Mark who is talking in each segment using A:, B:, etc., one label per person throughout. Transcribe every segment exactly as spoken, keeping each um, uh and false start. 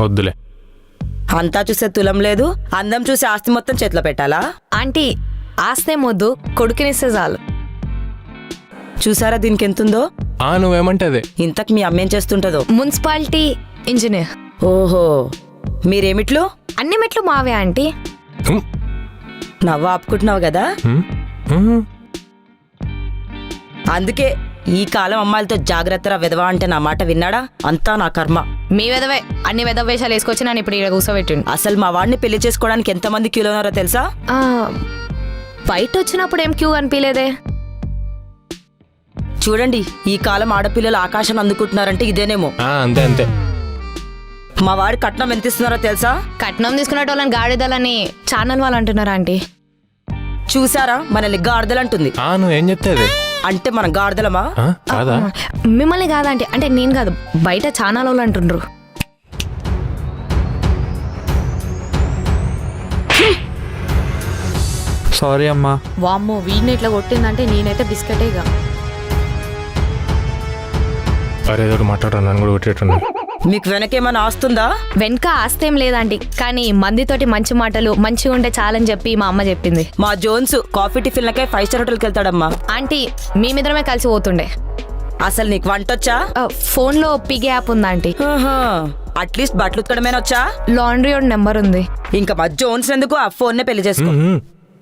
A: వద్దులే.
B: అంతా చూసే తులం లేదు, అందం చూసే ఆస్తి మొత్తం చేతిలో పెట్టాలా?
C: ఆంటీ ఆస్తే మొద్దు కొడుకునిస్తే చాలు.
B: చూసారా దీనికి ఎంతుందో?
A: ఆ నువ్వేమంటే అదే.
B: ఇంతకు మీ అమ్మేం చేస్తుంటదో?
C: Municipality engineer.
B: ఓహో, మీరేమిట్లు?
C: అన్ని మెట్లు మావే ఆంటీ.
A: హ్మ్.
B: నవ్వు ఆపుకుంటున్నావు కదా,
A: హ్మ్. హ్మ్.
B: అందుకే ఈ కాలం అమ్మాయిలతో జాగ్రత్తరా విధవా అంటే నా మాట విన్నాడా? అంతా నా కర్మ.
C: మీ వెదవే అన్ని వెదవ వేషాలు వేసుకొచ్చి నన్ను ఇప్పుడు ఇక్కడ కూర్చోబెట్టిండు.
B: అసలు మా వాడిని పెళ్లి చేసుకోవడానికి ఎంతమంది క్యూలో ఉన్నారో తెలుసా?
C: ఆ, బయట వచ్చినప్పుడు ఏం క్యూ అనిపించలేదే.
B: చూడండి, ఈ కాలం ఆడపిల్లలు ఆకాశం అందుకుంటున్నారంటే ఇదేనేమో.
A: ఆ, అంతే అంతే.
B: మా వాడి కట్నం ఎంత ఇస్తున్నారో తెలుసా?
C: కట్నం తీసుకునేటోళ్ళని గాడిదలని ఛానల్ వాళ్ళు అంటున్నారా ఆంటీ?
B: చూసారా, మనల్ని గాడిదలంటుంది.
A: ఆ నువ్వేం చెప్తే అదే.
B: అంటే మనం గాడిదలమా?
A: ఆ, కాదా?
C: మిమ్మల్ని కాదంటే అంటే నేను కాదు, బయట ఛానల్ వాళ్ళు అంటుండ్రు.
D: సారీ అమ్మా.
C: వామ్మో, వీడిని ఇట్లా కొట్టిందంటే నేనైతే బిస్కెటేగా.
A: అరే ఏదో మాట్లాడరా, నన్ను కూడా కొట్టేట్టున్నా.
B: మీకు వెనకేమైనా ఆస్తుందా?
C: వెనక ఆస్తేం లేదంటీ, కానీ మందితోటి మంచి మాటలు మంచిగా ఉంటే చాలని చెప్పి మా అమ్మ చెప్పింది.
B: మా జోన్స్ కాఫీ టిఫిన్లకే ఫైవ్ స్టార్ హోటల్కి వెళ్తాడమ్మా.
C: ఆంటీ మేమిద్దరమే కలిసి పోతుండే.
B: అసలు నీకు వంటొచ్చా?
C: ఆ, ఫోన్లో పిగ్ యాప్ ఉందా ఆంటీ?
B: అట్లీస్ట్ బట్టలు ఉతకడమేనా వచ్చా?
C: లాండ్రీ ఒక నెంబర్ ఉంది.
B: ఇంకా మా జోన్స్ ఎందుకు, ఆ ఫోన్ నే పెళ్లి చేసుకో.
A: హ్మ్.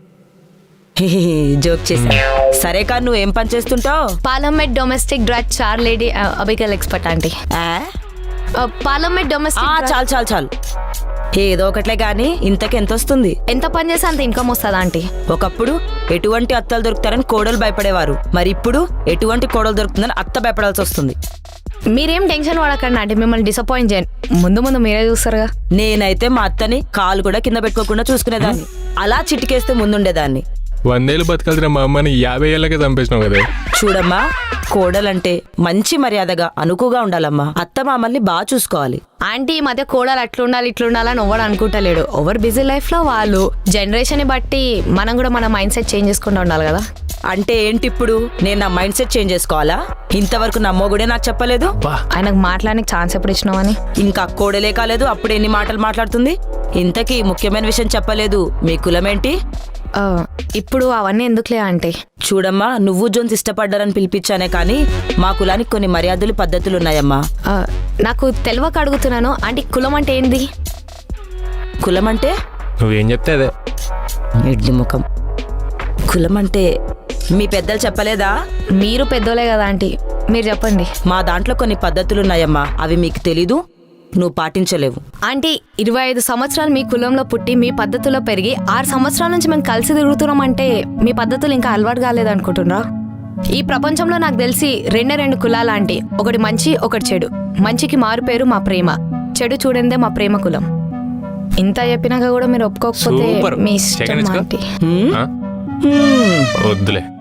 B: జోక్ చేసా. సరే కానీ నువ్వేం పని చేస్తుంటావు?
C: పార్లమెంట్ డొమెస్టిక్ డ్రగ్ చార్ లేడీ అబికల్ ఎక్స్పర్ట్ ఆంటీ. పార్లమెంట్ డొమెస్టిక్
B: చాలు చాలు చాలు, ఏదో ఒకట్లే గాని ఇంతకి ఎంత వస్తుంది?
C: ఎంత పని చేస్తే అంత ఇన్కమ్ వస్తుంది ఆంటీ.
B: ఒకప్పుడు ఎటువంటి అత్తలు దొరుకుతారని కోడలు భయపడేవారు, మరి ఇప్పుడు ఎటువంటి కోడలు దొరుకుతుందని అత్త భయపడాల్సి వస్తుంది.
C: మీరేం టెన్షన్ పడకండి ఆంటీ, మిమ్మల్ని డిసప్పాయింట్ చేయండి. ముందు ముందు మీరే చూస్తారుగా.
B: నేనైతే మా అత్తని కాలు కూడా కింద పెట్టుకోకుండా చూసుకునేదాన్ని, అలా చిటికేస్తే ముందుండేదాన్ని.
A: వందేళ్ళు బతకాల్సిన మా అమ్మని యాభై ఏళ్ళకే చంపేసినావు కదా.
B: చూడమ్మా, కోడలంటే మంచి మర్యాదగా అనుకుగా ఉండాలమ్మా. అత్త మామల్ని బాగా చూసుకోవాలి.
C: ఆంటీ ఈ మధ్య కోడలు అట్లుండాలి ఇట్లుండాలని ఎవరు అనుకుంటలేడు. ఓవర్ బిజీ లైఫ్ లో వాళ్ళు జనరేషన్ ని బట్టి మనం కూడా మన మైండ్ సెట్ చేంజ్ చేసుకుంటూ ఉండాలి కదా.
B: అంటే ఏంటి ఇప్పుడు నేను నా మైండ్ సెట్ చేంజ్ చేసుకోవాలా? ఇంతవరకు నా మొగుడే నాకు చెప్పలేదు.
C: ఆయనకు మాట్లాడడానికి ఛాన్స్ ఎప్పుడు ఇచ్చినావని.
B: ఇంకా కోడలే కాలేదు, అప్పుడు ఎన్ని మాటలు మాట్లాడుతుంది. ఇంతకీ ముఖ్యమైన విషయం చెప్పలేదు, మీ కులమేంటి?
C: ఆ, ఇప్పుడు అవన్నీ ఎందుకులే ఆంటీ.
B: చూడమ్మా, నువ్వు జోన్స్ ఇష్టపడ్డారని పిలిపించానే కానీ మా కులానికి కొన్ని మర్యాదలు పద్ధతులు ఉన్నాయమ్మా.
C: ఆ, నాకు తెలియక అడుగుతున్నాను ఆంటీ, కులం అంటే ఏంది?
B: కులం అంటే?
A: నువ్వేం చెప్తే అదే.
B: ఎడ్డి ముఖం. కులం అంటే మీ పెద్దలు చెప్పలేదా?
C: మీరు పెద్దోలే కదా ఆంటీ, మీరు చెప్పండి.
B: మా దాంట్లో కొన్ని పద్ధతులు ఉన్నాయమ్మా, అవి మీకు తెలీదు, నువ్వు పాటించలేవు.
C: ఆంటీ ఇరవై ఐదు సంవత్సరాలు మీ కులంలో పుట్టి మీ పద్ధతుల్లో పెరిగి ఆరు సంవత్సరాల నుంచి మేము కలిసి తిరుగుతున్నాం అంటే మీ పద్ధతులు ఇంకా అలవాటు కాలేదు అనుకుంటున్నారా? ఈ ప్రపంచంలో నాకు తెలిసి రెండే రెండు కులాలు ఆంటీ, ఒకటి మంచి ఒకటి చెడు. మంచికి మారు పేరు మా ప్రేమ, చెడు చూడందే మా ప్రేమ కులం. ఇంత చెప్పినాక కూడా మీరు ఒప్పుకోకపోతే
A: సూపర్.
C: మీ ఇష్టం
A: సెకండ్ ఇచ్చుకో.
C: ఆంటీ.
B: హ్మ్?
A: ఆ?
B: హ్మ్.
A: వద్దులే.